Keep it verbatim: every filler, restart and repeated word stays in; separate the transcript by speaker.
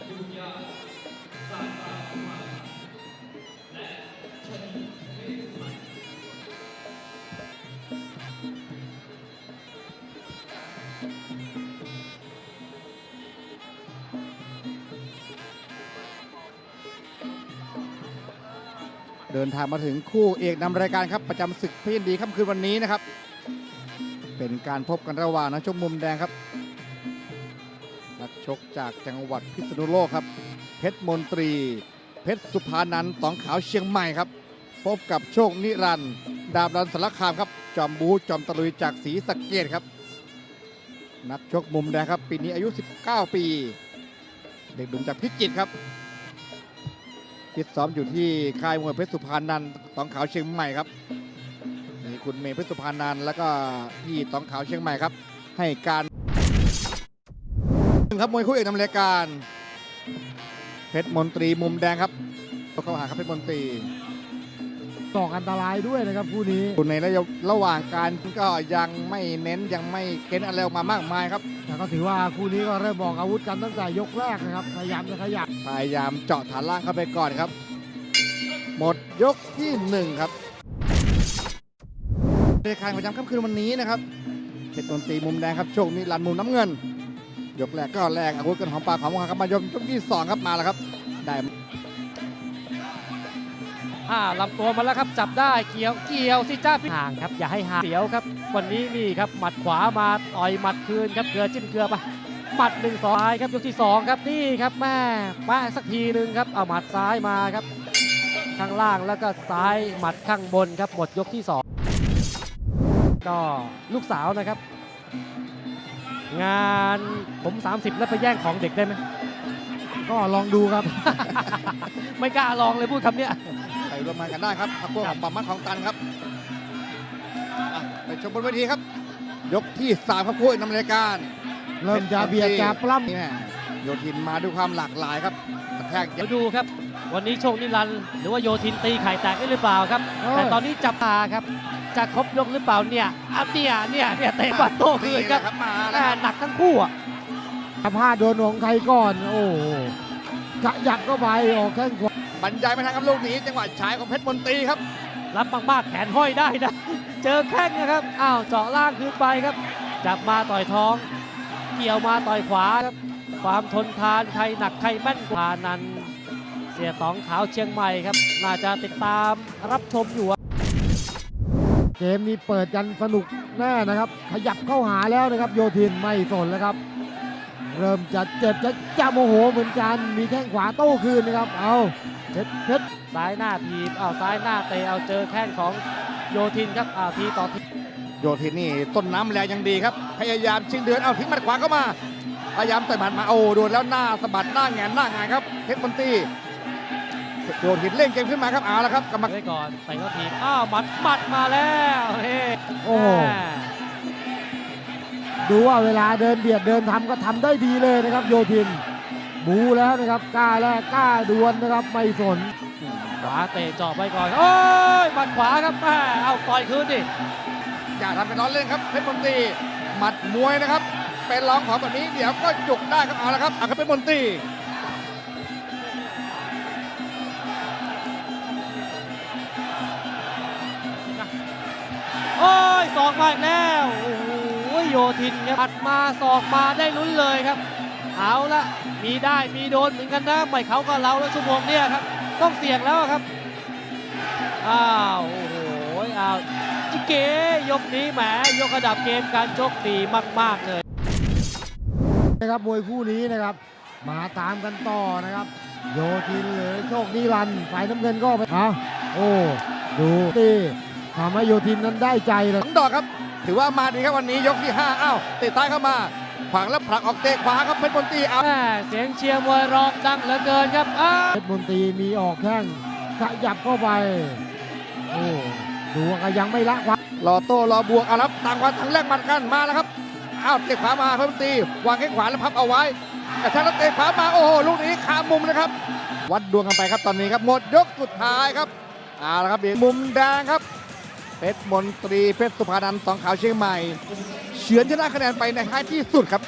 Speaker 1: เดินทางมาถึงคู่เอกนำรายการครับประจำศึกเพชรยินดีค่ำคืนวันนี้นะครับเป็นการพบกันระหว่างนักชกมุมแดงครับนักชกจากจังหวัดพิษณุโลกครับเพชรมนตรีเพชรสุภานันท์ตองขาวเชียงใหม่ครับพบกับโชคนิรันดร์ดาบรันสารคามครับจอมบูจอมตะลุยจากศรีสะเกษครับนักชกมุมแดงครับปีนี้อายุสิบเก้าปีเด็กหนุ่มจากพิจิตรครับฟิตซ้อมอยู่ที่ค่ายมวยเพชรสุพรรณนันท์ตองขาวเชียงใหม่ครับมีคุณเมย์เพชรสุพรรณนันท์แล้วก็พี่ตองขาวเชียงใหม่ครับให้การครับมวยคู่เอกนำรายการเพชรมนตรีมุมแดงครับเข้าหาครับเพชรมนตรี
Speaker 2: ต่ออันตรายด้วยนะครับคู่นี้
Speaker 1: ในระหว่างการก็ยังไม่เน้นยังไม่เค้นอะไรออกมามากมายครับ
Speaker 2: แต่ก็ถือว่าคู่นี้ก็เริ่มบอกอาวุธกันตั้งแต่ยกแรกนะครับพยายามจะขยับ
Speaker 1: พยายามเจาะฐานล่างเข้าไปก่อนครับหมดยกที่หนึ่งครับรายการประจำค่ำคืนวันนี้นะครับเพชรมนตรีมุมแดงครับโชคนิรันดร์มุมน้ำเงินยกแรกก็แรกอาวุธกันของปากของมครับมายกยกที่สองครับมาแล้วครับได้
Speaker 3: อ่าลำตัวมาแล้วครับจับได้เกี่ยวเกี่ยวสิจ้าพี่ห่างครับอย่าให้ห่างเสียวครับวันนี้นี่ครับหมัดขวามาต่อยหมัดคืนครับเกลือจิ้มเกลือไปหมัดหนึ่งสองครับยกที่สองครับนี่ครับแม่แม่สักทีหนึ่งครับเอาหมัดซ้ายมาครับข้างล่างแล้วก็ซ้ายหมัดข้างบนครับหมดยกที่สองก็ลูกสาวนะครับงานผมสามสิบแล้วไปแย่งของเด็กได้ไหม
Speaker 2: ก็ลองดูครับ
Speaker 3: ไม่กล้าลองเลยพูดคำนี้
Speaker 1: ไปร่วมงานกันได้ครับพักพวกของปั๊มมัดของตันครับไปชมบนเวทีครับยกที่สามครับคู่นำรายการ
Speaker 2: เริ่มจะเบียดจะปล้ำ
Speaker 1: นี่แม่โยทินมาด้วยความหลากหลายครับกระแทก
Speaker 3: เดี๋ยวดูครับวันนี้โชคนิรันดร์หรือว่าโยทินตีไข่แตกได้หรือเปล่าครับแต่ตอนนี้จับตาครับจะครบยกหรือเปล่าเนี่ยอ่ะเนี่ยเนี่ยเนี่ยเตะบัตโต้คืนครับมาหนักทั้งคู่อ่ะ
Speaker 2: พลาดโดนของใครก่อนโอ้ขยับก็ไปออกแข้งขวา
Speaker 1: บรรยายไม่ทันครับลูกนี้จังหวะฉายของเพชรมนตรีครับ
Speaker 3: รับมากๆแขนห้อยได้นะเจอแข้งนะครับอ้าวเจาะล่างคืนไปครับจับมาต่อยท้องเกี่ยวมาต่อยขวาครับความทนทานใครหนักใครแม่นกว่านั้นเสียตองขาวเชียงใหม่ครับน่าจะติดตามรับชมอยู่
Speaker 2: เกมนี้เปิดกันสนุกแน่นะครับขยับเข้าหาแล้วนะครับโยทินไม่สนแล้วครับเริ่มจะเจ็บจะจะโมโหเหมือนกันมีแข้งขวาโต้คืนนะครับเอาเพชรเพชร
Speaker 3: ซ้ายหน้าทีบเอาซ้ายหน้าเตะเอาเจอแข้งของโยทินครับอ่าทีต่อที
Speaker 1: โยทินนี่ต้นน้ำแรงยังดีครับพยายามชิงเดือนเอาทิ้งหมัดขวาเข้ามาพยายามใส่หมัดมาโอ้โดนแล้วหน้าสะบัดหน้าแงนหน้าหงายครับเพชรมนตรีโยทินเล่นเกมขึ้นมาครับเอาละครับกรรมการ
Speaker 3: ไว้ก่อนเตะเขาทีบอ้าวหมัดหมัดมาแล้วเฮ้
Speaker 2: โอ้ดูว่าเวลาเดินเบียดเดินทำก็ทำได้ดีเลยนะครับโยทินบูแล้วนะครับกล้าแรกกล้าดวลนะครับไม่สน
Speaker 3: ขวาเตะเจาะไปก่อนโอ้ยหมัดขวาครับแม่เอาต่อยคืนดิ
Speaker 1: อย่าทำเป็นล้อเล่นครับเพชรมนตรีหมัดมวยนะครับเป็นรองของแบบนี้เดี๋ยวก็จุกได้ครับเอาละครับเอาครับเพชรมนตรี
Speaker 3: โอ้ยศอกมาอีกแล้วโอ้โหโยทินครับปัดมาศอกมาได้ลุ้นเลยครับเอาละมีได้มีโดนเหมือนกันนะไม่เขาก็เราแล้วชั่วโมงเนี้ยครับต้องเสี่ยงแล้วครับอ้าวโอ้โหอ้าวจิเกยกนี้แหมยกระดับเกมการชกดีมากๆเลย
Speaker 2: นะครับมวยคู่นี้นะครับมาตามกันต่อนะครับโยทินหรือโชคนิรันดร์ฝ่ายน้ำเงินก็ไปอ่ะโอ้ดูตีทำให้โยทินนั้นได้ใจเลย
Speaker 1: ทั้งดอกครับถือว่ามาดีครับวันนี้ยกที่ห้าอ้าวเตะซ้ายเข้ามาขวางแล้วผลักออกเตะขวาครับเพชรมนตรีเอา
Speaker 3: เสียงเชียร์มวยร้องดังเหลือเกินครับ
Speaker 2: เพชรมนตรีมีออกแข้งขยับเข้าไปโอ้ดูว่ายังไม่ละความ
Speaker 1: รอโต้รอบวกเอาครับต่างวันทั้งแรกมันกันมาแล้วครับอ้าวเตะขวามาเพชรมนตรีวางแข้งขวาแล้วพับเอาไว้กระชากแล้วเตะขวามาโอ้โหลูกนี้ขามุมนะครับวัดดวงกันไปครับตอนนี้ครับหมดยกสุดท้ายครับเอาละครับมุมแดงครับเพชรมนตรีเพชรสุภานันท์ตองขาวเชียงใหม่เฉือนชนะคะแนนไปในท้ายที่สุดครับ